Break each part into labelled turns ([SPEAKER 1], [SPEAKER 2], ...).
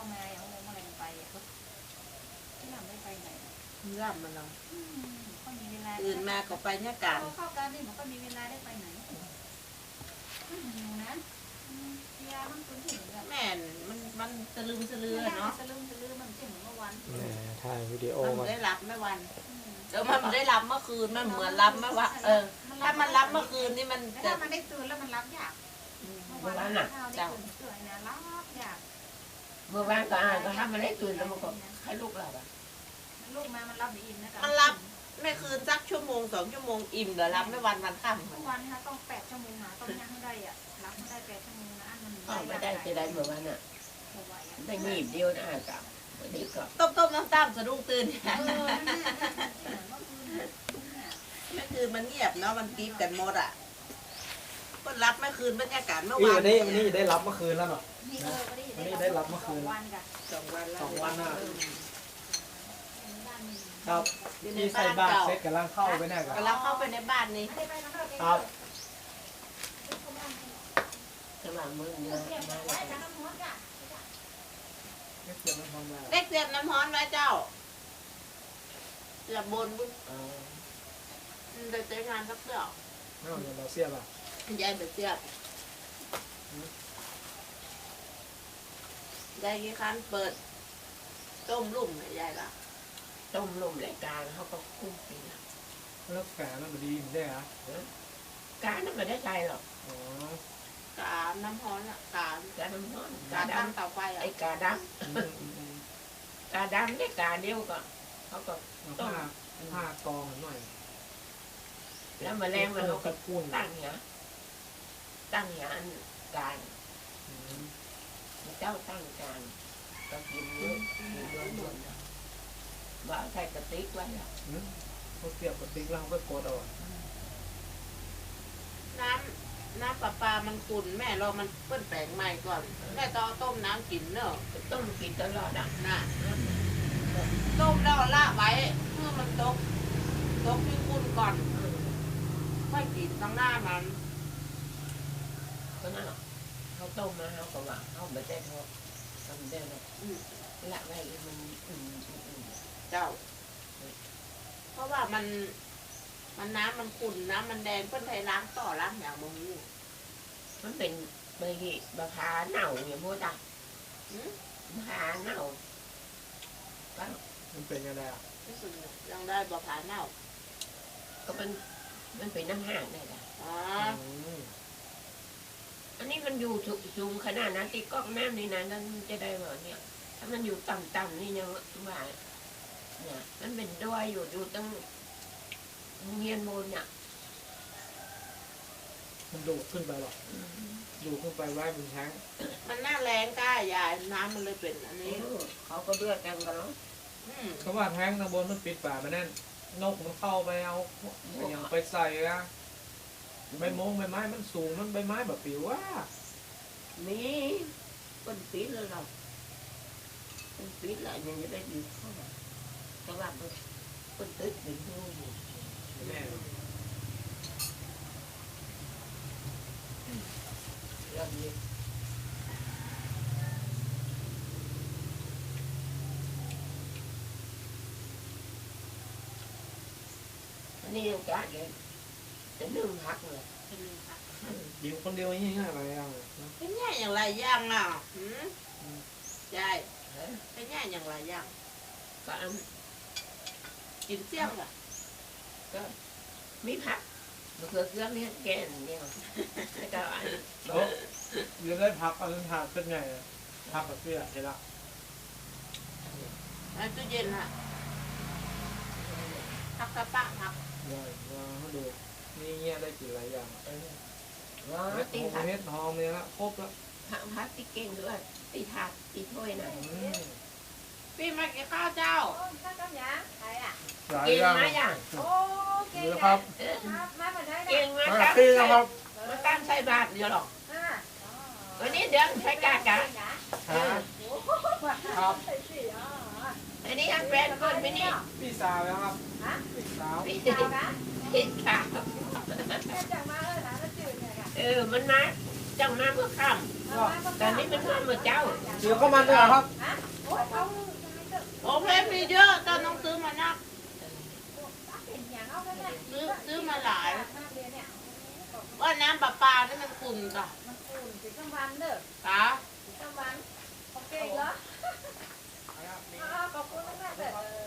[SPEAKER 1] มาอย่างโมงอะไรไปอ่ะที่นำได้ไปไหน
[SPEAKER 2] ร่ำมันเรา
[SPEAKER 1] ก็มีเวลา
[SPEAKER 2] ตื่นมาก็ไปเนี่ยการ
[SPEAKER 1] เข้าการนี่มันก็มีเวลาได้ไปไหนอยู่นะยามันคุ้นถึง
[SPEAKER 2] แม่มันสลืมสลือเนาะ
[SPEAKER 1] สลืมสลือมันเช่นเหมือนเมื่อวัน
[SPEAKER 3] ถ่ายวิดีโอ
[SPEAKER 2] มันได้รับไม่วันเดี๋ยวมันได้รับเมื่อคืนมันเหมือนรับเมื่อวันถ้ามันรับเมื่อคืนนี่มัน
[SPEAKER 1] ถ้ามันได้ตื่นแล้วมันรับยาก
[SPEAKER 4] เมื่อวานน่ะ
[SPEAKER 1] เจ้าตื่นนะรับยาก
[SPEAKER 4] เมื่อวานก็ถ้ามันได้ตื่นแล้วมันก็ให้ลูกหลับอ่ะ
[SPEAKER 1] ลูกมามันรับได้อิ่มนะ
[SPEAKER 2] มันรับไม่คืนสักชั่วโมง2 ชั่วโมงอิ่มเดี๋ยวรับไม่วันค่ำ
[SPEAKER 1] ทุกวันนะคะต้อง8 ชั่วโมงนะต้องย่างได้อ่ะรับไม่ได้8 ชั่วโมงนะมัน
[SPEAKER 4] ไม่ได้จะได้เมื่อวานน่ะได้หนีบเดียวนะกับวันนี้ก็
[SPEAKER 2] ต้มน้ำสะดุ้งตื่นไม่คืนมันเงียบเนาะมันกรี๊ดกันหมดอ่ะก็รับไม่คืนบรรยากาศเมื่อวาน
[SPEAKER 3] วันนี้ได้รับเมื่อคืนแล้วเนาะวันนี้ได้รับเมื่อคืน2 วันครับที่ใส่บาตรเสร็จกำลังเข้าไปแน่กัน
[SPEAKER 2] กำลังเข้าไปในบ้านนี้
[SPEAKER 3] ครับ
[SPEAKER 4] กำลังมือเนี่ยมา
[SPEAKER 2] เล็กเสียบน้ำฮ้อนไว้เจ้าเสียบบนบุ้งเดี๋ยวเจองานสักเดียว
[SPEAKER 3] เราเสียบอ่ะ
[SPEAKER 2] ยายไปเสียบยายกี่ครั้งเปิดต้มลุ่มเนี่ยยายละ
[SPEAKER 4] ต้มลมรายการเขาก็คุ้มปีนะ
[SPEAKER 3] แล้วแฝงมันดีไม่ได้เหรอ
[SPEAKER 4] การนั้นไม่ได้ใจหรอก
[SPEAKER 2] กาน้ำฮ้อนอ่ะกา
[SPEAKER 4] น้ำฮ้อน
[SPEAKER 2] กาตั้งเตาไฟอ่ะ
[SPEAKER 4] ไอ้กาดำเนี่ยกาเดียวก็เขาก็
[SPEAKER 3] ต้มผ้ากองหน่อย
[SPEAKER 4] แล้วมาแรงมันเขาก็ตั้งเนี้ยอันการเจ้าตั้งการก็กินเยอะล้วนว่าใส่กระติกไว้อะ
[SPEAKER 3] เขาเสียบกระติกแล้วเขาก็กดเอา
[SPEAKER 2] น้ำปลามันขุ่นแม่เรามันเปิ้ลแปลงใหม่ก่อนแม่ต้องต้มน้ำกินเนอะ
[SPEAKER 4] ต้มกินตลอดอ่ะ
[SPEAKER 2] น่ะต้มแล้วละไว้เพื่อมันตกที่ขุ่นก่อนค่อยกินตั้งหน้ามัน
[SPEAKER 4] ก็นั่นเขาต้มมาเขาก็ว่าเขาไม่ได้ทอดทำได้หรอกละไว้มัน
[SPEAKER 2] เจ้าเพราะว่ามันน้ำมันขุ่นน้ำมันแดงเพื่อนไทยล้างต่อล้างอย่างมึง
[SPEAKER 4] มันเป็นใบพาเน่าอย่างพวกจ้ะพาเน่า
[SPEAKER 3] มันเป็นยังไงอ่ะ
[SPEAKER 2] ยังได้บะพาเน่า
[SPEAKER 4] ก็มันเป็นน้ำห่างได้จ้ะอันนี้มันอยู่สูงขนาดนั้นตีกล้องแม่นี่นะนั่นจะได้เหรอเนี่ยถ้ามันอยู่ต่ำๆนี่ยังว่าเนี่ยมันเป็นดอยอยู่ตั้งเงียนบนเนี่ย
[SPEAKER 3] มันดูดขึ้นไปหรอดูขึ้นไปไว้บนแท้ง
[SPEAKER 2] มันน่าแรงก้ายายน้ำมันเลยเป็นอันนี้
[SPEAKER 4] เขาก็เลือกกันกันแล้ว
[SPEAKER 3] เขาว่าแท้งข้างบนมันปิดฝามันนั่นนกมันเข้าไปเอาอย่างไปใส่อะใบไม้มันสูงมันใบไม้แบบปิวว่า
[SPEAKER 4] นี่เป็นปีเลยเราเป็นปีเลยยังจะได้ดีเข้ามาแต่ว่าเป็นตึ๊ดเป็นดู
[SPEAKER 3] แม่
[SPEAKER 4] เรื่องนี้อันนี้ยังการเลยจะนึ่งพักเลย
[SPEAKER 3] ยิงคนเดียวยังไงอะไรอ่ะ
[SPEAKER 2] เป็นแง่อย่างไรย่างอ่ะใช่เป็นแง่อย่างไรย่าง
[SPEAKER 4] ก็
[SPEAKER 2] กินเสี่ยงอ่ะ
[SPEAKER 4] ก็มีผักมะเขือเทศนี่แกงเนี่ยแล้วก็อัน
[SPEAKER 3] ยังได้ผักอันนั้นผักเป็นไงผักกับเสื้อเห็นละ
[SPEAKER 2] อันตู้เย็นฮะผักกระปะผัก
[SPEAKER 3] ได้มาดูนี่เงี้ยได้กินหลายอย่าง
[SPEAKER 4] ตี
[SPEAKER 3] ผักเม็ดหอมเลยละครบแล้ว
[SPEAKER 4] ผักตีเก่งด้วยตีถาดตีถ้วยหน่อย
[SPEAKER 2] พี่มากินข้าวเจ้า
[SPEAKER 1] ข้าวเจ้าหยาใครอ่ะ
[SPEAKER 4] เก่งมาอย่าง
[SPEAKER 1] โอ้เก่ง
[SPEAKER 3] ครับ
[SPEAKER 1] มาเหมือนได้
[SPEAKER 4] เก่งมา
[SPEAKER 3] ครับ
[SPEAKER 4] มาตั้งใส่บาตรเดียวหรอกวันนี้เดือนใช้กากะ
[SPEAKER 3] ครับ
[SPEAKER 4] อันนี้อันแฟนคนไม่นี่
[SPEAKER 3] พี่สาวนะครับพี่สาว
[SPEAKER 4] พี่สาว
[SPEAKER 1] จังมาแล้วจืดเนี่ยค่ะ
[SPEAKER 4] มันมาจังมาเมื่อค่ตอนนี้เป็นข้าวมือเจ้า
[SPEAKER 3] เดี๋ยวเข้ามาด้วยครับ
[SPEAKER 1] โอ้ยเขา
[SPEAKER 2] โอเพนมีเยอะเจ้าต้องซื้อมานัก
[SPEAKER 1] เป็นอย่างเอาแล้วเนี่ย
[SPEAKER 2] ซื้อมาหลาย
[SPEAKER 1] มาเรียนเนี่ย
[SPEAKER 2] ว่าน้ำประปานี่มันขุ่นจ้ะ
[SPEAKER 1] มันคูณสิบกลางวันเด้อ
[SPEAKER 2] ค่ะ
[SPEAKER 1] สิบกลางวันโอเคเหรอขอบคุณมากเลย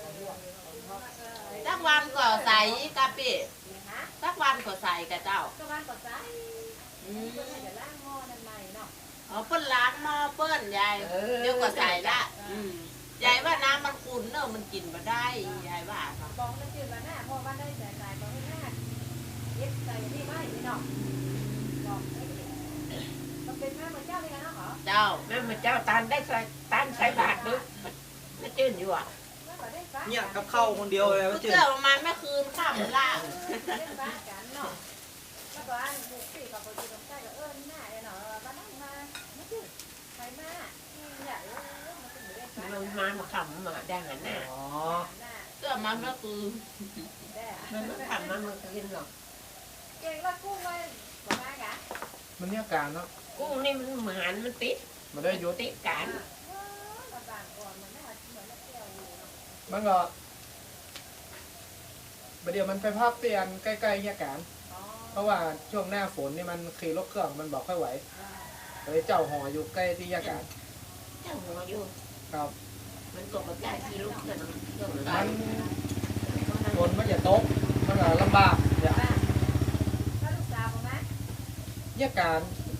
[SPEAKER 2] สักวันก็ใส่กะปิ
[SPEAKER 1] ฮะ
[SPEAKER 2] สักวันก็ใส่กับเจ้า
[SPEAKER 1] กลางวันก็ใส่
[SPEAKER 2] อืม
[SPEAKER 1] เดี๋ยวล้างหม้อนั่นใหม่เนาะ
[SPEAKER 2] อ๋อเปิ้นล้างหม้อเปิ้นยายเดี๋ยวก็ใส่ละยายว่าน้ำมันขุ่นเนอะมันกินมาได้ยายว่าค่ะ
[SPEAKER 1] บอกมันจืดมาหน้าพอวันได้ใส่ก็ให้หน้าเย็บใส่นี่ไม่เนาะบอกมันเป็นแม่เหมือนเจ้าเลยนะเหรอ
[SPEAKER 2] เจ้า
[SPEAKER 4] แม่มือเจ้าตานได้ใส่ตานใส่บาทนึกไม่ตื่นอยู่อ่ะ
[SPEAKER 3] เนี่ยกับข้าวคนเดียวเลย
[SPEAKER 2] เพื่อประมาณไม่คืนข้ามละ
[SPEAKER 1] เล่นบ้านกันเนาะแล้วก็อันบุกปีกับคนที่ต้องใช้ก็หน้าเนาะบ้านนั่งมาไม่จืดใครมาเนี่ยมันเป็นเรื่องบ้าน
[SPEAKER 4] มันขำมาได้หันหน้า
[SPEAKER 3] อ๋อ
[SPEAKER 2] เพื่อมันไม่คืน
[SPEAKER 4] มันขำมันกินหรอก
[SPEAKER 1] เก่งแล้วกุ้งเลยบอกมากะ
[SPEAKER 3] มันเนี่ยการเนาะ
[SPEAKER 4] กุ้งนี่มันเหมือนมันติด
[SPEAKER 3] มันได้ยุด
[SPEAKER 4] ติดกัน
[SPEAKER 1] บางก่อนมันไม่เหมือนแล้วเที่ยวอยู่เนาะ
[SPEAKER 3] มันก็ประเดี๋ยวมันไปพักเตียนใกล้ๆเนี่ยการ
[SPEAKER 1] อ๋อ
[SPEAKER 3] เพราะว่าช่วงหน้าฝนนี่มันขี่รถเครื่องมันบอกค่อยไหวเลยเจ้าหออยู่ใกล้ที่ยาการ
[SPEAKER 4] เจ้าหัวอยู่
[SPEAKER 3] ครับ
[SPEAKER 4] มันตกกับใจที่ลูกเกิดเกิด
[SPEAKER 3] มันฝนมันอย่าตกมันก็ลำบากอย่า
[SPEAKER 1] ถ้าลูกสาวผมไหม
[SPEAKER 3] ยาการ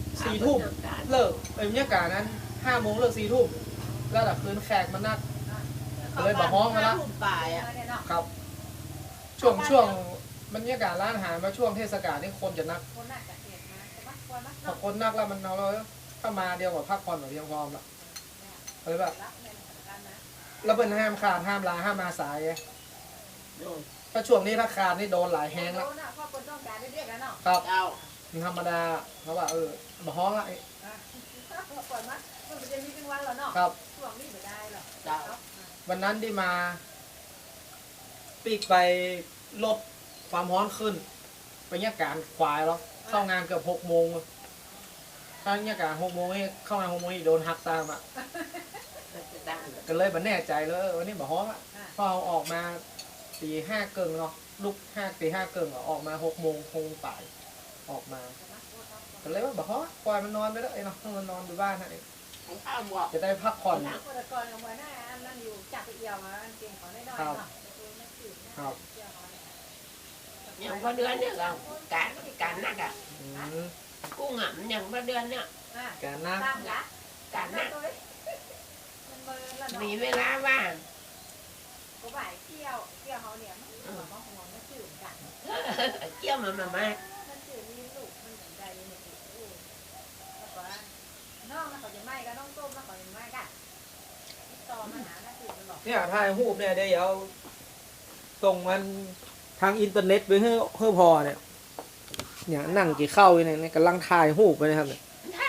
[SPEAKER 3] 4 ทุ่มเลิกยาการนั้น5 โมงเลิก4 ทุ่มแล้วแต่คืนแขกมันนัก เลยบอกฮ้องมาละ
[SPEAKER 2] ทุ่มป่ายอ่ะ
[SPEAKER 1] เนี่ยเนาะ
[SPEAKER 3] ครับ ช่วงมันยากาศร้านอาหารมาช่วงเทศกาลนี่คนจะนัก
[SPEAKER 1] คนน่ะจะเห็นนะแต่ว่าคนมัก
[SPEAKER 3] พอคนนักแล้วมันเอาแล้วถ้ามาเดียวกับพักผ่อนแบบเพียงพอละเลยแบบ
[SPEAKER 1] รับเงินกันนะ
[SPEAKER 3] แล้วเป็นห้ามขาดห้ามลาห้ามมาสายไงถ้าช่วงนี้ถ้าขาดนี่โดนหลายแฮงแล้ว
[SPEAKER 1] พ่อคนต้องการเรียกแล้วเนาะ
[SPEAKER 3] ครับ
[SPEAKER 2] เจ้า
[SPEAKER 3] มันธรรมดาเพราะว่าบ่ฮ้องละ
[SPEAKER 1] ก่อนมั้ยมันจะมีเป็นวันแล้วเนาะ
[SPEAKER 3] ครับ
[SPEAKER 1] ช่วงนี้ไม่ได้หรอก
[SPEAKER 2] เจ้า
[SPEAKER 3] วันนั้นที่มาปีกไปลดความร้อนขึ้นไปเนี่ยการควายแล้วเข้างานเกือบ6 โมงถ้าเนี่ยการ6 โมงนี่เข้างาน6 โมงนี่โดนหักตามอ่ะก็เลยบันแน่ใจเลยวันนี้บ่ฮ้องอ่ะพอเอาออกมาตี 5 เกิงเนาะลุกตี 5 เกิงออกมา6 โมงคงป่ายออกมาก็เลยว่าบ่ฮ้องปล่อยมันนอนไปแล้วเนาะมันนอนอยู่บ้านนะ
[SPEAKER 2] ของข้าวหมวก
[SPEAKER 3] จะได้พักผ่อน
[SPEAKER 1] คนก่อนกับหัวหน้าอันนั้นอยู่จับไปเอี่ยวมาอันเก่งของได้น้อยเนาะ
[SPEAKER 3] ครับ
[SPEAKER 4] อย่างพอเดือนเนี่ยเราการนักอ่ะ
[SPEAKER 3] อืม
[SPEAKER 4] กุ้งอ่ะมันอย่างพอเดือนเนี่ย
[SPEAKER 3] การนั่ง
[SPEAKER 1] ตามกะ
[SPEAKER 4] การนัก
[SPEAKER 1] มันเบอร์ละ
[SPEAKER 4] มี
[SPEAKER 1] เนาะ
[SPEAKER 4] เวลาว่าง
[SPEAKER 1] ก็บ่ายเที่ยวเขาเนี่ยมันบอกว่าหัวมันจืดกัน
[SPEAKER 4] เกี่ยวมามา
[SPEAKER 1] มันจืดมีลูกมันใจมันจืดแล้วก็น้องมันเขาจะไหม้ก็น้องต้มแล้วเขาจะไหม้กันต่อมาหาหน้าจืดมันบอก
[SPEAKER 3] เนี่ยถ่ายรูปเนี่ยเดี๋ยวเอาส่งมันทางอินเทอร์เน็ตไปให้พอเนี่ยนั่งกี่เข้าเนี่ยกำลังถ่ายรูปไปนะครับเนี่ย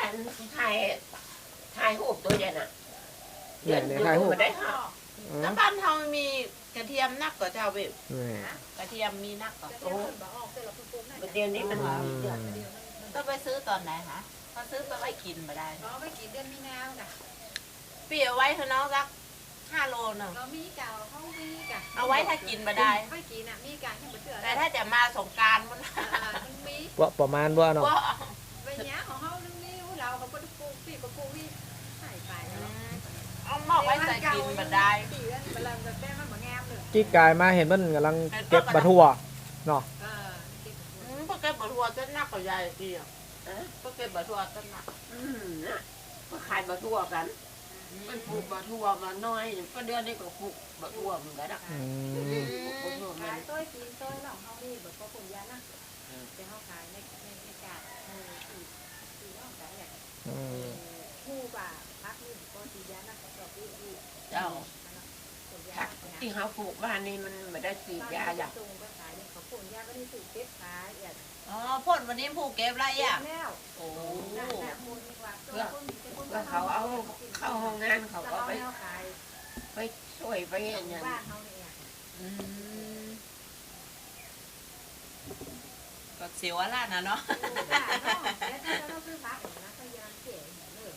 [SPEAKER 4] ถ่ายรูปตัวเด่นอ่ะ
[SPEAKER 3] เนี่ยถ่ายรูป
[SPEAKER 4] ได้ค่ะ
[SPEAKER 2] แล้วบ้านเรามีกระเทียมนักกว่าเจ้าเว็บ
[SPEAKER 3] นี่
[SPEAKER 2] กระเทียมมีนักกว่า
[SPEAKER 1] จะเที่ยวคนบอกออกเสร็จแล้วคุณปุ๊บนั่น
[SPEAKER 4] เดี๋ยวนี้มัน
[SPEAKER 2] ต้องไปซื้อตอนไหนคะถ้าซื้อไปไว้กินมาได้
[SPEAKER 1] เราไม่กี่เดือนมีนาน่ะ
[SPEAKER 2] เปียไว้เถอะน้องสัก5 โลหนึ่ง
[SPEAKER 1] เรามีเก่าเขามีกะ
[SPEAKER 2] เอาไว้ถ้ากินมาได้
[SPEAKER 1] ไม่กินน่ะมีกะที่มันเถื่อน
[SPEAKER 2] แต่ถ้าจะมาสงกรารมัน
[SPEAKER 1] มันมี
[SPEAKER 3] ว่าประมาณว่าเนาะ
[SPEAKER 2] ก็
[SPEAKER 1] ใบหญ้าของเขาเรื่องนี้เราเขาก็ปลูกปีกปลูกนี่ใส่ไปแล้ว
[SPEAKER 2] เอาหม้อไว้ใส่กินมาได้
[SPEAKER 1] ปีนั้นเวลาแบบแป้งมันเหมือนงามเลย
[SPEAKER 3] กี้กายมาเห็นมันกำลังเก็บบะทั่วเนาะ
[SPEAKER 2] พวกแกบะทัวจะนักกว่ายายดีอ่ะพวกแกบะทัวจะหนัก
[SPEAKER 4] ก็ขายบะทั่วกัน มันปลูกบะทั่วมาน้อยก็เดือนนี้ก็ปลูกบะทั่วเหมือนกันนะ
[SPEAKER 3] อืม
[SPEAKER 1] ขายต้อยกินต้อยหลอกเขาดีแบบก็ผลยานะจะเขาขายในกาดสีน้องขายอย่าง
[SPEAKER 3] อืม
[SPEAKER 1] คู่ป่าพักนี่ก็สียานะก็แบบอี
[SPEAKER 4] เจ้า
[SPEAKER 1] ผลยา
[SPEAKER 4] ที่เขาปลูกบ้านนี้มันไม่ได้ฉีดยาอย่าง
[SPEAKER 1] ตรงก็ขายเนี่ยเขาผลยาก็ได้สูตรเก็บขายอย่าง
[SPEAKER 2] อ๋อพ่นวันนี้ผูกเก็บไรอ่ะ
[SPEAKER 1] แล้ว
[SPEAKER 2] โอ้
[SPEAKER 4] เพื่อเขาเอาเข้าห้องงานเขาก็ไป
[SPEAKER 1] ขาย
[SPEAKER 4] ไปช่วยไปอย่างนี้
[SPEAKER 1] บ้านเขาเนี่ย
[SPEAKER 2] ก็เสียวอะไรนะเนาะ
[SPEAKER 1] บ้านเนาะแล้วที่เราซื้อพักนะพยายามเก็บเลย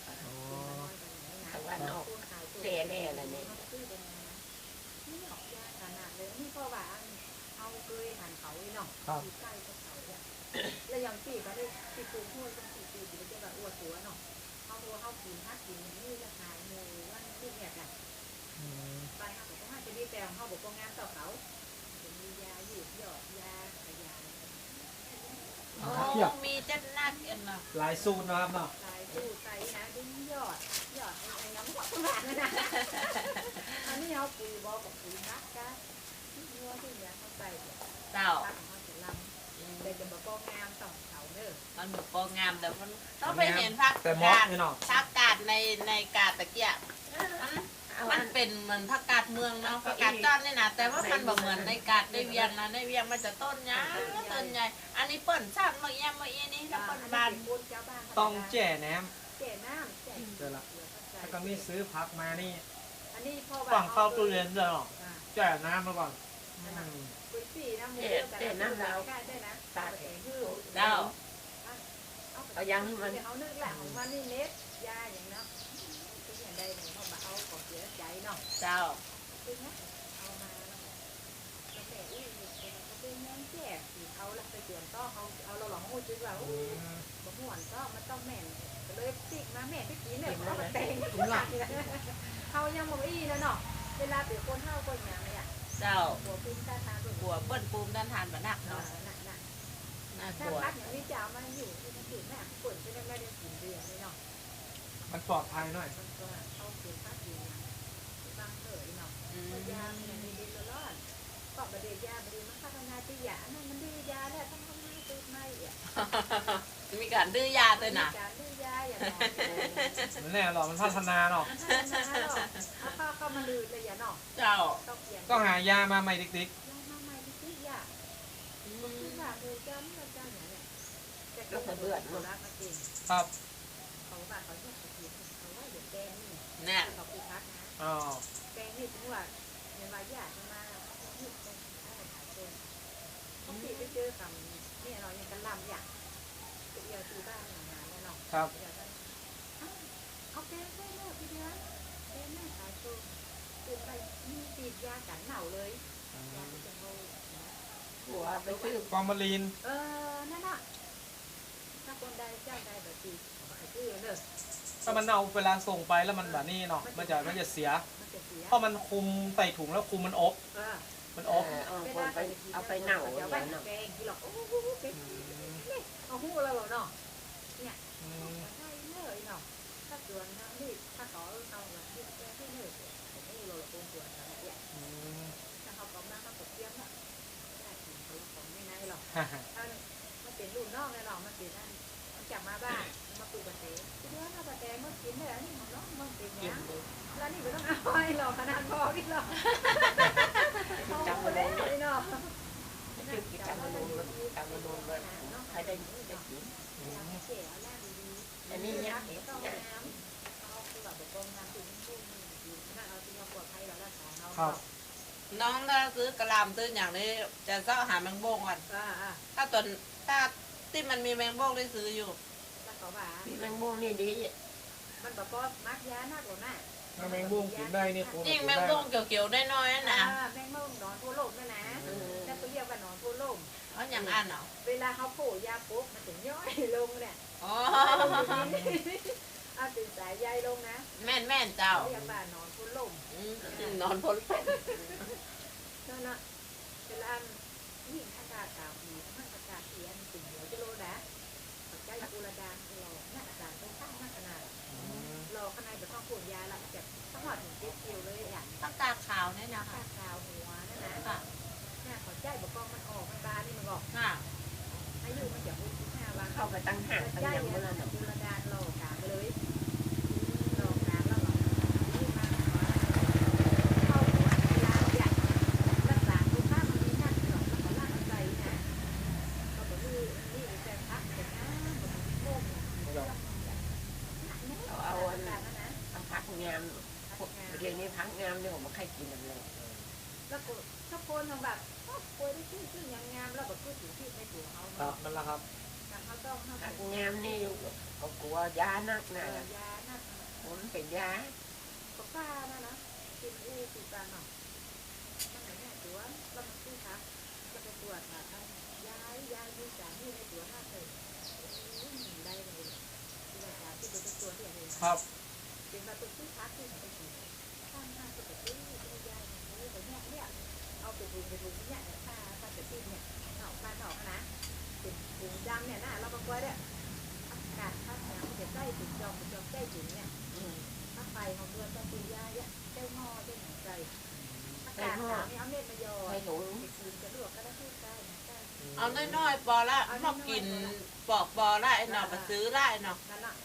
[SPEAKER 4] เสียแน่ละเนี่ย
[SPEAKER 1] นี่ออกยากขนาดเลยนี่เพราะว่าเอาเคยหันเขาเนาะอยู่ใกล้กับเขาเนี่ยแล้วยังปีก็ได้ปีปูห้วยต้องปีอยู่จะแบบอวดตัวเนาะเขาตัวเขากินฮักกินนี่จะขายโมวันนี่เนี่ยกันไปเขาบอกว่าจะดีแต่เขาบอกว่างานต่อเขาจะมียาหยุดหยอดยาขยาย
[SPEAKER 2] โอ้มีเจ็ดนักเอ็นเนาะ
[SPEAKER 3] หลายสูตรนะครับเนาะ
[SPEAKER 1] ลายตู้ใส่นะดิ้งหยอดไอ้น้ำหวานแบบนั้นนะอันนี้เขาปุ๋ยบอกกับปุ๋ยนักกันที่วัวที่เนี้ยเขาใส่
[SPEAKER 2] เจ้า
[SPEAKER 1] ตักของเขาจะลำแต่จะบอกว่างามต้องเขาเด้อ
[SPEAKER 2] มันแบบโปรงามแต่มันต้องไปเห็นผัก
[SPEAKER 3] แต่มอส
[SPEAKER 2] กาด
[SPEAKER 3] นี่เนาะ
[SPEAKER 2] ผักกาดในกาดตะเกียบมันเป็นเหมือนผักกาดเมืองเนาะผักกาดจ้อนนี่นะแต่ว่ามันแบบเหมือนในกาดได้เวียงนะได้เวียงมันจะต้นใหญ่ต้นใหญ่อันนี้เปิ้นชาติมาเยี่ยมมาเยี่ยนี่แล้วเปิ้นบาน
[SPEAKER 3] ต้องแจ่แหนม
[SPEAKER 1] แก่น้ำแก่
[SPEAKER 3] เดี๋ยวละแล้วก็มีซื้อผักมานี่
[SPEAKER 1] อันนี้พ่อ
[SPEAKER 3] ต้องเข้าตู้เย็นด้วยเนาะแจ่น้ำมาก่อนอืม
[SPEAKER 1] ปุ๋ยสีน้ำมูแต่น้ำแล้วได้นะตาแข็งหื้อ
[SPEAKER 2] เจ้า
[SPEAKER 4] เอายังให้มัน
[SPEAKER 1] เขานึกแหละของมันนี่เน็ตยาอย่างเนาะคืออย่างใดเนี่ยเขาเอาของเสียใจเนาะ
[SPEAKER 2] เจ้า
[SPEAKER 1] คือนะเอามาแล้วแต่อุ้ยเขาเป็นแม่แก่สีเขาละไปเตือนต้อเขาเอาเราหลงหูจืดว่าอุ้ยบ่ม่วนก็มันต้องแม่นเลยติกมาแม่ที่กินเนี่ยเขาแต่งเขายังบ่อีนะเนาะเวลาเดี๋ยวคนเท่าคนอย่างเนี่ย
[SPEAKER 2] เจ้า
[SPEAKER 1] หัวภูมิต้านทาน
[SPEAKER 2] หัวเปิ้นปูมด้านทานบะนัก
[SPEAKER 1] เนาะ
[SPEAKER 2] เนาะ
[SPEAKER 1] น่ะ
[SPEAKER 2] น่า
[SPEAKER 1] ถ้าก
[SPEAKER 2] ลัว
[SPEAKER 1] พักอย่างนี้จะเอามาอยู่ที่มันอยู่แม่ฝนจะได้ไม่ได้กินเดือนเลยเนาะ
[SPEAKER 3] มันปลอดภัยหน่อย
[SPEAKER 1] มันก็เอาเก็บพักอยู่บางเถยเนาะ
[SPEAKER 2] อืม
[SPEAKER 1] ยาเนี่ยดีตลอดก็บดียาบดีมันพัฒนาที่ยานั่นมันดื้อยาแล้วต้องทำให้ตื่นไม่อ่ะ
[SPEAKER 2] มีการดื้อยาด้วยนะ
[SPEAKER 1] การดื้อยาอย่างน้อย
[SPEAKER 3] มันแน่หรอกมันพัฒนาเนาะ
[SPEAKER 1] มันพัฒนาหรอกเอาเข้ามาลืดเลยอย่าเนาะ
[SPEAKER 2] เจ้า
[SPEAKER 1] ต้องเปลี่ยน
[SPEAKER 3] ก็หายามาใหม่ติ๊ก
[SPEAKER 1] ยามาใหม่ที่ยาคือว่าเลยจำเราจำอย่างเนี้ยแต่ก็เบื่อเนาะรักมากิน
[SPEAKER 3] ๆครับ
[SPEAKER 1] เขาว่าเขาอยากกินเขาว่าเดี๋ยวแกงนี่
[SPEAKER 2] เนี่ย
[SPEAKER 1] เขาคือพักนะ
[SPEAKER 3] อ๋อ
[SPEAKER 1] แกงนี่ถึงว่าในวายาจะมาหยุดเป็นอะไรขายเป็นเขาติดไปเจอคำนี่เรายังกันลำอย่างเดียวที่บ้านงานแล้วเนาะ
[SPEAKER 3] ครับ
[SPEAKER 1] เดี๋ยวกันเอาแกงใส่เลือดทีเดียวแกงแม่ขายตัวตื่นไปมีติดยากันเหน่าเลยยาที่จะโง่
[SPEAKER 4] หัวไปซื้อ
[SPEAKER 3] ฟอร์มาลีน
[SPEAKER 1] นั่นน่ะถ้าคนใดเจ้าใดแบบตีขายชื่อเนอะ
[SPEAKER 3] ถ้ามันเอาเวลาส่งไปแล้วมันแบบนี้เนาะมันจะเสีย
[SPEAKER 1] มันจะเสีย
[SPEAKER 3] เพราะมันคุมใส่ถุงแล้วคุมมันอบ มันอบ
[SPEAKER 4] เอาไปเน่า
[SPEAKER 1] เดี๋ยว
[SPEAKER 4] เล
[SPEAKER 1] ไป
[SPEAKER 4] ยเนาะ
[SPEAKER 1] แกงกินหรอกโอ้โหเป็นนี่เอาหูเราเนาะเนี่ย
[SPEAKER 3] อืม
[SPEAKER 1] ใช่เลยเนาะถ้าส่วนทางนี่ถ้าเขาเอาแบบที่แกงที่เนยผมหูเราคงส่วนทางเนี่ย
[SPEAKER 3] อืม
[SPEAKER 1] ถ้าเขาบอกมาเขาตกเตี้ยมอ่ะได้กินเขาของไม่นายหรอก
[SPEAKER 3] ฮ่าฮ่า
[SPEAKER 1] ถ้ามันเป็นรุ่นนอกเลยหรอกมันเป็นนั่นมันจับมาบ้านมาปลูกกระเตงทีเดียวถ้ากระเตงมันกินได้แล้วนี่ของน้องมันเป็นยัง แล้วนี่ไม่ต้องเอาให้หรอกขนาดพอที่หรอก
[SPEAKER 4] จำมาเลย
[SPEAKER 1] เนาะ
[SPEAKER 4] คือกิจกรรมมันจำมันเลยใครได้ได้กิน อันนี้เนี่ย
[SPEAKER 1] ต้องน้ำเอาคือแบบกองน้ำถึงชุ่มถ้าเอาที่เราปลอดภัยเรารักษาเรา
[SPEAKER 3] ครับ
[SPEAKER 2] น้องถ้าซื้อกระหลำซื้ออย่างนี้จะเจ้าหาแมงโบ้งก่อน ถ้าตอนถ้าที่มันมีแมงโบ้งได้ซื้ออยู่
[SPEAKER 1] แล้วเขาว่า
[SPEAKER 4] พี่แมงมุมนี่ดี
[SPEAKER 1] มันแบบก็มักยาหน้ากว่าหน้า
[SPEAKER 3] ถ้าแมงบุ้งกินได้นี่คุณ
[SPEAKER 2] ยิ่ง
[SPEAKER 3] กิน
[SPEAKER 2] แมง
[SPEAKER 3] ได้
[SPEAKER 2] โบ้งเกี่ยวๆได้น้อยๆนะ
[SPEAKER 1] แมงมุมนอนทั่วโลกนะนะแต่เขาเรียกว่านอนทั่วโลก
[SPEAKER 2] เพราะอย่างอันเนาะ
[SPEAKER 1] เวลาเขาโผล่ยาปุ๊บมันถึงย่อยลงเนี่ย
[SPEAKER 2] อ๋อ
[SPEAKER 1] เอาตื่นสายใยลงนะ
[SPEAKER 2] แม่นเจ้า
[SPEAKER 1] เรียกว่านอนทั่วโลก
[SPEAKER 2] นอนพ้นลม
[SPEAKER 1] นั่นน่ะเวลายิ่งอากาศหนาวดีถ้าอากาศเสียสิ่งเดียวจะโลนะปัจจัยกุลดานรอหน้าอากาศต้องข้างหน้าขนาดรอข้างในแบบต้องปวดยาละจะต้องหอดถึง7 กิโลเลยอย่าง
[SPEAKER 2] ต้องกาขาวเนี่ยนะ
[SPEAKER 1] ข้า
[SPEAKER 2] คะ
[SPEAKER 1] ขาวหัวนั่นนะ
[SPEAKER 2] ค่ะ
[SPEAKER 1] หน้าขอใจบอกกองมันออกมันบานนี่มันบอก
[SPEAKER 2] ค่ะ
[SPEAKER 1] อายุมันจะ65 วัน
[SPEAKER 4] เข้าไปตั้งห่างตั้ง
[SPEAKER 1] ใจ
[SPEAKER 4] ยัง
[SPEAKER 1] เนี่
[SPEAKER 4] เมื่อนั้น
[SPEAKER 1] ยกุลดานรอกาไปเลยรอกาแล้วหรอนี่มาเข้าหัวเวลาใหญ่รักษาสุขภาพมันมีนั่นหรอกแล้วก็ล่างใจนะก็บอกนี่แต่พักแต่นะบอกโค้ง
[SPEAKER 4] เอาพักงามเดี๋ยวนี้พักงามเนี่ยผมไม่ใครกินเลย
[SPEAKER 1] แล้วก็ถ้าคนแบบป่วยได้ชื่อยังงามแล้วแบบพูดถึงที่ในตัวเขา
[SPEAKER 3] ครับนั่นแหละครับ
[SPEAKER 1] เขาต้อง
[SPEAKER 4] พักงามนี่ก็กลัวยานักนะ
[SPEAKER 1] ยาหน้า
[SPEAKER 4] ผมเป็นยา
[SPEAKER 1] ก็ป้านะกินอูปีปลาเนาะมันไหนเนี่ยตัวเรามาซื้อครับจะไปตรวจค่ะท่านย้ายดูสารที่ในตัวหน้าเคยได้เลยที่ว่าการที่เป็นตัวที่อะไร
[SPEAKER 3] ครับ
[SPEAKER 1] เป็นมาตัวซื้อพักที่ไหนไปกินข้างหน้าก็ไปซื้อที่ย้ายไปเนี่ยเอาไปดูเนี่ยถ้าจะตีเนี่ยหนอกบ้านหนอกนะเป็นถุงดำเนี่ยนะเราบอกว่าเนี่ยอากาศถ้าเนี่ยมันจะใกล้ถึงจอมใกล้ถึงเนี่ยถ้าไฟของตัวจะตีย้ายเจ้าหม้อเจ้าหนังใจอากาศหนาวนี่เอาเม็ดมายอไปคืนจะลวกก็ได้ที่ใกล้
[SPEAKER 2] เอาน้อยๆปอละพอกินปอกปอละไอ้หนอมาซื้อละไอ้หนอ
[SPEAKER 1] นั่นน่ะ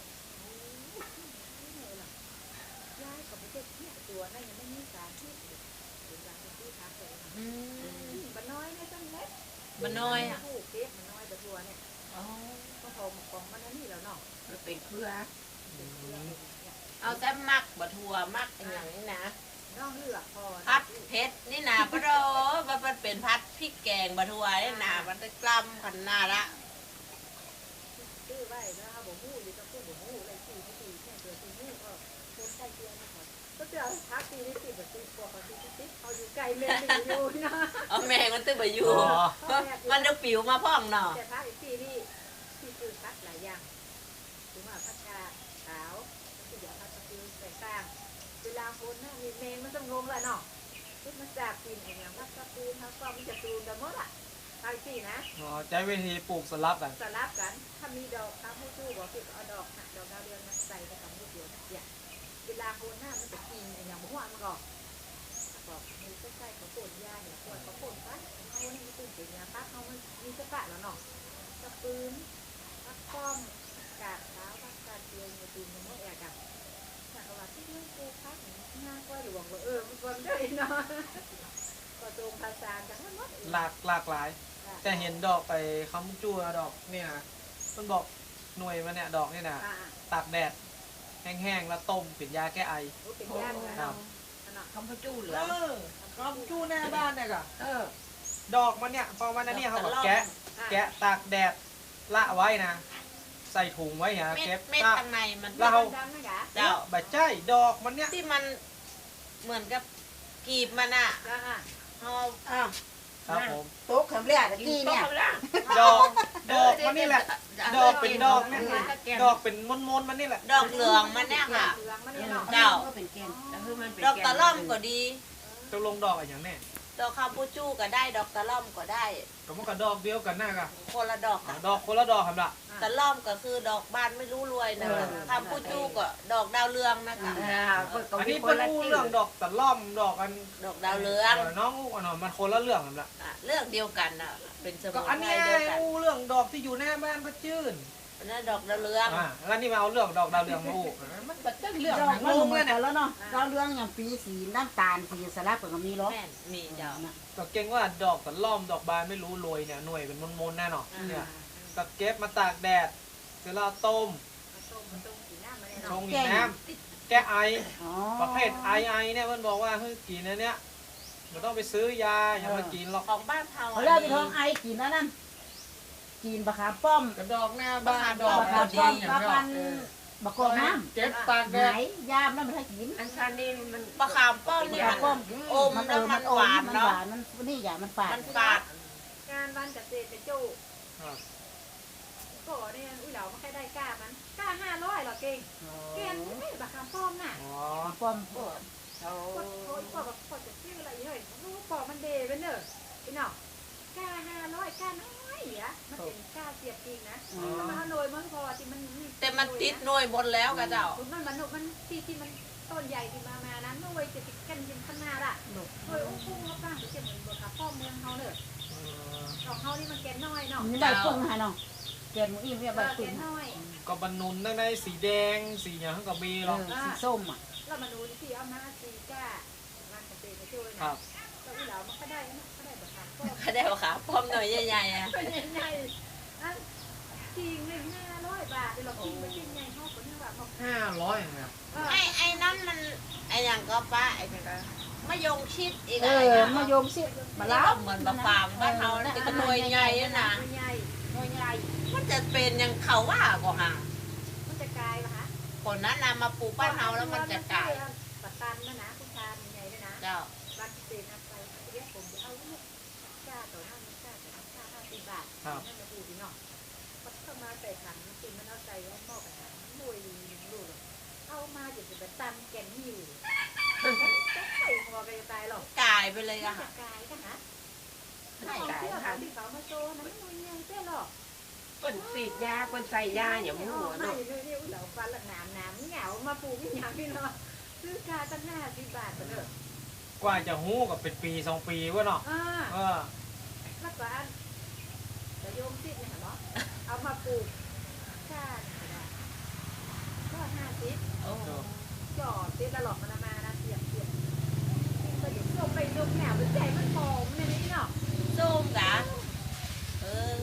[SPEAKER 1] ย้ายกับไปเจ็บเนี่ยตัวนั่นยังไม่มีสารที่เป็นการที่พักเลยมันน้อยนะจังเล็ก
[SPEAKER 2] มันน้อยอ่ะ
[SPEAKER 1] ผู้เก็บมันน้อยแต่ตัวเนี่ย
[SPEAKER 2] อ๋อ
[SPEAKER 1] ก็พอของมันนี่แล้วเนาะ
[SPEAKER 4] มันเป็นเครือ
[SPEAKER 2] เอาแต่มักบะทัวมักอย่างนี้นะ
[SPEAKER 1] น้องเลือกพอ
[SPEAKER 2] พัดเผ็ดนี่นาปะโดมันเป็นพัดพริกแกงบะทัวนี่นามันจะกล้ำขันหน้าละ
[SPEAKER 1] ซื้อไว้แล้วเอาบ่หู้อยู่กับผู้บ่หู้อะไรตีเนี่ยตัวตีหู้ก็คนใกล้เคียงนะครับก็จะพักตีนี่ตีแบบตีปอกตีเอาอยู่ไกลเมนตีอยู่นะ
[SPEAKER 2] เอาแม่งมันตื้อไปอยู่มันจะปิวมาพ่องหนอ
[SPEAKER 1] แต่พักอีกตีนี่ที่คือพักหลายอย่างถึงว่าพักชาขาวที่เดี๋ยวพักตีใส่ข้างเวลาคนน่ะมีเมนมันต้องงงเลยเนาะที่มันจากกินอย่างพักกระปูนพักก็มันจะตูนกันหมดอ่ะไปตีนะ
[SPEAKER 3] อ๋อใช้วิธีปลูกสลับกัน
[SPEAKER 1] สลับกัน ถ้ามีดอกข้าวผู้ชู้บอกคือเอาดอกดาวเรืองมาใส่ไปกับลูกเดียวเนี่ยเวลาโคนหน้ามันจะกินอย่างหัวมันก็บอกมีใกล้ๆเขาป่นยาเนี่ยปวดเขาป่นปั๊บเขาเนี่ยมันตื่นเต้นยาปั๊บเขามันมีสกัดแล้วเนาะกระปืนพักป้อมกาดเท้าพักกาดเตียงในตีนมันไม่แอกอะแต่เอาว่าที่เรื่องกูพักหน้าก็หลวงว่ามันวันได้เนาะก็ตรงภาษากันทั้งหมด
[SPEAKER 3] หลากหลาย แต่เห็นดอกไปคำจู้ดอกเนี่ยมันบอกหน่วยมันเนี่ยดอกเนี่ยนะตากแดดแห้งๆแล้วต้มเป็นยาแก้ไอ
[SPEAKER 1] เป็นยาเหมือน
[SPEAKER 4] คำพจู้เหลื
[SPEAKER 3] เอ
[SPEAKER 4] อ
[SPEAKER 3] อคำจู้หน้าบ้านเนี่ยก็
[SPEAKER 4] อ
[SPEAKER 3] ดอกมันเนี่ยพอวันนั้นเนี่ยเขาก็แกะตากแดดละไว้นะ ใส่ถุงไว้อย่า
[SPEAKER 2] เม็ด
[SPEAKER 3] เก็บ
[SPEAKER 2] เม็ดข้างในมัน
[SPEAKER 3] เรา
[SPEAKER 1] ดำนะกะ
[SPEAKER 2] เจ้า
[SPEAKER 3] ใบใจดอกมันเนี่ย
[SPEAKER 2] ที่มันเหมือนกับกีบมันอ่ะ
[SPEAKER 1] จ้า
[SPEAKER 2] เอา
[SPEAKER 5] อ้าว
[SPEAKER 3] ครับผม
[SPEAKER 5] โต๊ะคำเรียกตะกี้เนี่ย
[SPEAKER 3] ดอกมันนี่แหละ ดอกเป็นดอกเนี่ยดอกเป็นมนๆมันนี่แหละ
[SPEAKER 2] ดอกเหลืองมันเนี่ยค่ะ
[SPEAKER 1] เหลืองมันเนี่ยเนาะ
[SPEAKER 2] เจ้า
[SPEAKER 5] ก็เป็นแกน
[SPEAKER 4] แล้วคือมันเป็น
[SPEAKER 2] ดอกตะล่อมก็ดี
[SPEAKER 3] จะลงดอกอะไรอย่างแน่
[SPEAKER 2] ดอกคาปูจูก็ได้ ดอกตะล่อมก็ได้
[SPEAKER 3] ก็มันก็ดอกเดียวกันหน้าก็
[SPEAKER 2] คนละดอกอะ
[SPEAKER 3] ดอกคนละดอกครับล่ะ
[SPEAKER 2] ตะล่อมก็คือดอกบานไม่รู้รวยนะคะคาปูจูก็ดอกดาวเรืองนะคะ
[SPEAKER 3] อันนี้เป็นอู้เรื่องดอกตะล่อมดอกอัน
[SPEAKER 2] ดอกดาวเรือง
[SPEAKER 3] น้องอู้อันนั้นมันคนละเรื่องครับล่ะ
[SPEAKER 2] อ่ะเรื่องเดียวกันอ่ะ เป็นสมุ
[SPEAKER 3] ก็
[SPEAKER 2] น
[SPEAKER 3] อัน
[SPEAKER 2] ไพร
[SPEAKER 3] นี้
[SPEAKER 2] เดียวกัน
[SPEAKER 3] อู้เรื่องดอกที่อยู่หน้าบ้านพระจื้น
[SPEAKER 2] อันนั้นดอกดาวเรือง
[SPEAKER 3] แล้วนี่มาเอาเรื่องดอกดาวเรืองมาอู้มันเป็นเรื่อง
[SPEAKER 5] ดอก
[SPEAKER 3] ง
[SPEAKER 5] มัน
[SPEAKER 3] ง
[SPEAKER 5] เห
[SPEAKER 3] เล
[SPEAKER 5] มือย นกั
[SPEAKER 3] เนี่ย
[SPEAKER 5] นแล้วเนาะดาวเรืองอย่างปีสีน้ำตาลสีสลับกับมีหรอ
[SPEAKER 2] แม่นมีเจ้า
[SPEAKER 3] ก็เก่งว่าดอกตะล่อมดอกบานไม่รู้รวยเนี่ยหน่วยเป็นมนๆแน่นอนเนี่ยก็เก็บมาตากแดดเสร็จแล้วต้ม
[SPEAKER 1] ต้มสีหน้ามันเนี่ย
[SPEAKER 3] ช
[SPEAKER 1] เนาะ
[SPEAKER 3] งอีกน้ำแก้ไอ
[SPEAKER 5] อ๋อ
[SPEAKER 3] ประเภทไอเนี่ยมันบอกว่าเฮ้ยกินอันเนี้ยมันต้องไปซื้อยาอย่ามากินหรอก
[SPEAKER 2] ของบ้านเฮา
[SPEAKER 5] เขาเรียกไปท้องไอกินนั่นกินบะขามป้อม
[SPEAKER 3] กระดอกหน้าบ้านดอก
[SPEAKER 5] บะขามป้อมกับมันบะกอกน้ำ
[SPEAKER 3] เก็บตากแด
[SPEAKER 5] ไหน
[SPEAKER 3] ด
[SPEAKER 5] ยามนั่นมันให้กิน
[SPEAKER 4] อันชันนี่มัน
[SPEAKER 2] ปลาขามป้อมนี่
[SPEAKER 5] ยา
[SPEAKER 2] มัน
[SPEAKER 5] ป้อม
[SPEAKER 2] อมแล้วมันหวาน
[SPEAKER 5] มัน
[SPEAKER 2] เนาะ
[SPEAKER 5] หวานมันนี่อย่างมันฝาด
[SPEAKER 2] มันฝาด
[SPEAKER 1] งานวันเกษตรเจ้าก็เนี่ยอุ้ยเหล่าไม่ค่อยได้กล้ามันกล้า500หรอเก่งเก่งไม่บักคำป้อมน่ะ
[SPEAKER 3] อ๋อ
[SPEAKER 5] ป้อม
[SPEAKER 1] โอ้ยแบบพอจะชื่ออะไรเฮ้ยรู้ปอมันเดเป็นเนอะพี่น้องกล้า500กล้าน้อยอ่ะมันเป็นกล้าเสียบจริงนะมันเอาหน่วยมันพอที่มัน
[SPEAKER 2] แต่มันติดหน่วยหมดแล้วกะเจ้า
[SPEAKER 1] มันที่มันต้นใหญ่ที่มานั้นหน่วยจะติดกันเป็นขนาดอ่ะหน่วยอุ้งพุ่งเขาป้าจะเหมือนบักคำป้อมเมืองเขาเนอะของเขานี่มันแกนน้อยเนาะ
[SPEAKER 5] นี่ใบพึ่งฮะเนาะแกนหมูอิ่มเนี่ยใบ
[SPEAKER 1] แก
[SPEAKER 5] พึ่ง
[SPEAKER 1] นน้อย
[SPEAKER 3] ก็บรรนุนได้สีแดงสีอย่างก็มีหรอก
[SPEAKER 5] สีส้มอ่ะ
[SPEAKER 1] เรามาดูที่เอามาซีก้าวันเกษตรช่วย
[SPEAKER 3] ครั
[SPEAKER 1] นะ
[SPEAKER 3] บ
[SPEAKER 1] เราอีเหล่ามันก็ได้นะก็ได้แบบขามป้อม
[SPEAKER 2] ก็ได้ปลาขามป้อมหน่อยใหญ่ๆอ่ะ
[SPEAKER 1] เป็นใหญ่อันจริงเลย500 บาทเรากินไปกินใหญ่เขาคนนี้ว่าเขา
[SPEAKER 3] 500เนี่ย
[SPEAKER 2] ไอ้นั่นมันไอ้อย่างก็ป้าไอ้นี่ก็มะยงชิดอีก
[SPEAKER 5] เอ
[SPEAKER 2] อะไร
[SPEAKER 5] อ
[SPEAKER 2] นะ
[SPEAKER 5] มายมสิ
[SPEAKER 2] มั
[SPEAKER 5] มาน ล้า
[SPEAKER 2] ก็เหมือนมะฟางบ้านเราแต่ก็หน่วยใหญ่อะนะ
[SPEAKER 1] ใหญ่
[SPEAKER 5] ใหญ่
[SPEAKER 2] มันจะเป็นอย่างเขาว่าก็ห่า
[SPEAKER 1] มันจะกลายป่ะฮะ
[SPEAKER 2] คนนั้นนำมาปลูกบ้านเฮาแล้วมันจะกลาย
[SPEAKER 1] ปัตตานหิวใส่หัวไปตายหรอก
[SPEAKER 2] กายไปเลย
[SPEAKER 1] จะ
[SPEAKER 2] อะค่ะ
[SPEAKER 1] กายกันฮะ
[SPEAKER 4] ไม่
[SPEAKER 1] เอา
[SPEAKER 4] กาย
[SPEAKER 1] เสื้อ
[SPEAKER 4] ค่ะ
[SPEAKER 1] ที่เขามาโชว์นะไม่มียังเสื้อหรอก
[SPEAKER 4] คนสีดยาคนใส่ยาอย่างหัว
[SPEAKER 1] ไม่
[SPEAKER 4] เนาะ
[SPEAKER 1] เลยเนี่ยเหล่าฟันละน้ำเหงามาปลูกไม่ยังพี่เนาะซื้อกาตั้ง50 บาทก็เถอะ
[SPEAKER 3] กว่าจะหู้กับเป็นปี2 ปีวะเนาะ เออ
[SPEAKER 1] แล้วก็อันจะโยมติดเนี่ยเหรอเอามาปลูกกาก็50
[SPEAKER 4] โอ้
[SPEAKER 1] จอดติดตลอดมันมานะเสียบก็เดี๋ยวลงไปลงแหนวใจมันหอมในนี้เนาะ
[SPEAKER 2] ส้มกะเออบ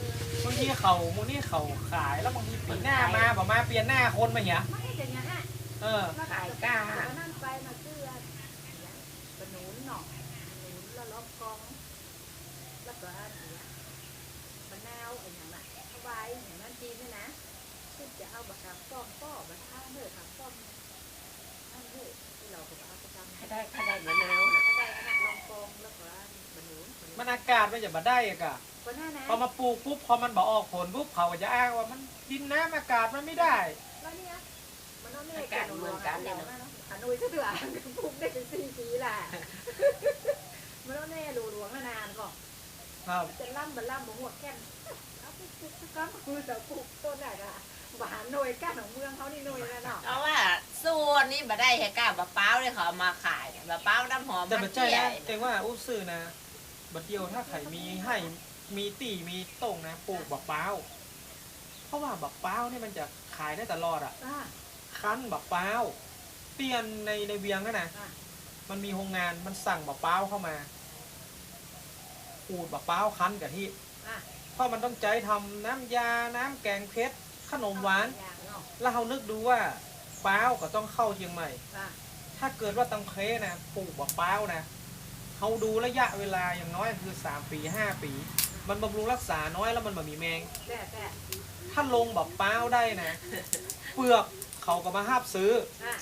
[SPEAKER 3] างทีเขามูนี่เขาขายแล้วบางทีปีหน้ามาบอกมาเปลี่ยนหน้าคนมาเหี้ย
[SPEAKER 1] ไม่ได้อย่างนั้น
[SPEAKER 3] เออ
[SPEAKER 4] ขายกา
[SPEAKER 1] ก็นั่งไปมาเสื้อขนุนเนาะขนุนแล้วล้อมกองแล้วก็อันนี้มะนาวอะไรอย่างนั้นเอาไว้อย่างนั้นจีนเนี่ยนะซึ่งจะเอาบักกามป้อมป้อบักข้าวเนื้อขามป้อมนั่นเฮ้ยที่เราก็เอาประจำ
[SPEAKER 4] ถ้าได้มะนาวนะ
[SPEAKER 1] ก็ได้ขนาดลองกองแล้วก็ขนุน
[SPEAKER 3] มันอากาศมันจะมาได้อะกะ
[SPEAKER 1] ก็น่านะ
[SPEAKER 3] พอมาปลูกปุ๊บพอมันบอกออกผลปุ๊บเขาก็จะอ้างว่ามันดินน้ำอากาศมันไม่ได้
[SPEAKER 1] แล้วเนี่ยมันต้องไม่การเมืองกันเนี่ยเนาะขนุนซะเถอะปลูกได้เป็น4 ปีแหละมันต้องแน่หลวงนานก่อน
[SPEAKER 3] ครับ
[SPEAKER 1] จะล่ำบัลล่ำบ่หัวแก่นเอาไปปลูกก็คือจะปลูกต้นไหนอะหวานหน่วยก้านของเมืองเขานี่หน่วยแล้วเนาะ
[SPEAKER 2] เพราะว่าส่วนนี้มาได้แค่กาบะเป้าเลยเขาเอามาขายบะเป้าน้ำหอม
[SPEAKER 3] แต่
[SPEAKER 2] มั
[SPEAKER 3] บั
[SPEAKER 2] น
[SPEAKER 3] ดใจ
[SPEAKER 2] เที่ย
[SPEAKER 3] นะเองว่าอู้ซื่อนะบัดเดียวถ้าไข่มีให้มีตีมีต้งนะปลูกบักเป้าเพราะว่าบักเป้าเนี่ยมันจะขายได้ตลอดอ่ะ
[SPEAKER 1] อ่า
[SPEAKER 3] คั้นบักเป้าเปลี่ยนในเวียงนั่นนะ
[SPEAKER 1] อ่า
[SPEAKER 3] มันมีโรงงานมันสั่งบักเป้าเข้ามาขูดบักเป้าคั้นกับที่
[SPEAKER 1] อ่า
[SPEAKER 3] เพราะมันต้องใจทำน้ำยาน้ำแกงเพชรขนมหวาน
[SPEAKER 1] อย่างเนาะ
[SPEAKER 3] แล้วเรานึกดูว่าเป้าก็ต้องเข้าเชียงใหม่
[SPEAKER 1] อ่า
[SPEAKER 3] ถ้าเกิดว่าตังเคนะปลูกบักเป้านะเขาดูระยะเวลาอย่างน้อยคือ3 ปี 5 ปี มันบำรุงรักษาน้อยแล้วมันแบบมีแมง
[SPEAKER 1] แต่
[SPEAKER 3] ถ้าลงบักเป้าได้นะ เปลือกเขาก็มาห้าบซื้อ
[SPEAKER 1] อ่าก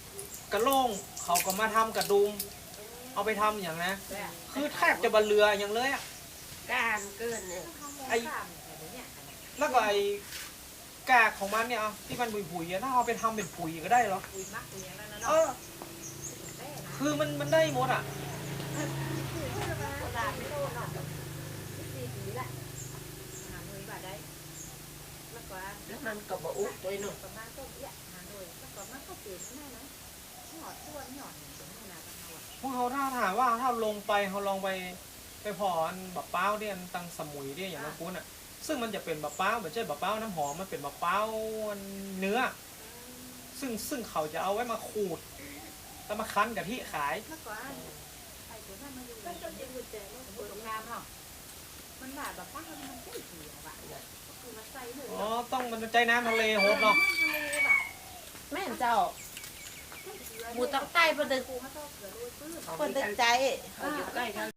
[SPEAKER 3] ระโล่งเขาก็มาทำกระดุม เอาไปทำอย่างนะ
[SPEAKER 1] แต่
[SPEAKER 3] คือแทบจะบรรเรืออย่างเลยอะ
[SPEAKER 4] การเกินเนี่ย
[SPEAKER 1] ไอ้เนี่ย
[SPEAKER 3] แล้วก็ไอ้กากของมันเนี่ยเอาที่มันผุยๆอะถ้าเอาไปทำเป็นปุ๋ยก็ได้เหรอ
[SPEAKER 1] คุยมักคุยอย่างนั้นนะ
[SPEAKER 3] เอ
[SPEAKER 1] เนาะ
[SPEAKER 3] อ
[SPEAKER 1] ได้นะ
[SPEAKER 3] คือมันได้หมดอ่ะ
[SPEAKER 1] คุยเพื่อนมาตลาดไม่โดนเนาะ4 ปีละหาหน่วยบาทได้แล้วก็
[SPEAKER 4] แล้วมันก็บ่อุบด้วยเนาะ
[SPEAKER 1] ประมาณต้นเอี้ยหาหน่วยแล้วก็มันก็เปลี่ยนแน่นะหอดตัวหอดอย่างนี้นะกันเอาอะ
[SPEAKER 3] พวกเขาถ้าถามว่าถ้าลงไปเขาลองไปพออันบักเป้าเนี่ยอันตังสมุยเนี่ยอย่างนั้นกูน่ะ ซึ่งมันจะเป็นบักเป้าไม่ใช่บักเป้าน้ำหอมมันเป็นบักเป้าเนื้อ ซึ่งเขาจะเอาไว้มาขูดแล้วมาคั้นกับที่ขาย
[SPEAKER 1] เมื่อก่อนไอ้ตัวนั้นมาอยู่ก็จะเป็นกุญแจมันสวยงามเนาะมันแบบป้ามันใช่เหี่ยวอะก็คือมาใส่เลย
[SPEAKER 3] อ๋อต้องมันใจน้ำทะเลโหดเนาะ
[SPEAKER 5] แม่นเจ้า
[SPEAKER 2] หมูต้องใต้ประดึก
[SPEAKER 1] ปูเขาต้องเกลือโรยปื้ม
[SPEAKER 2] ประดึกใจ
[SPEAKER 4] เขาอยู่ใกล้กัน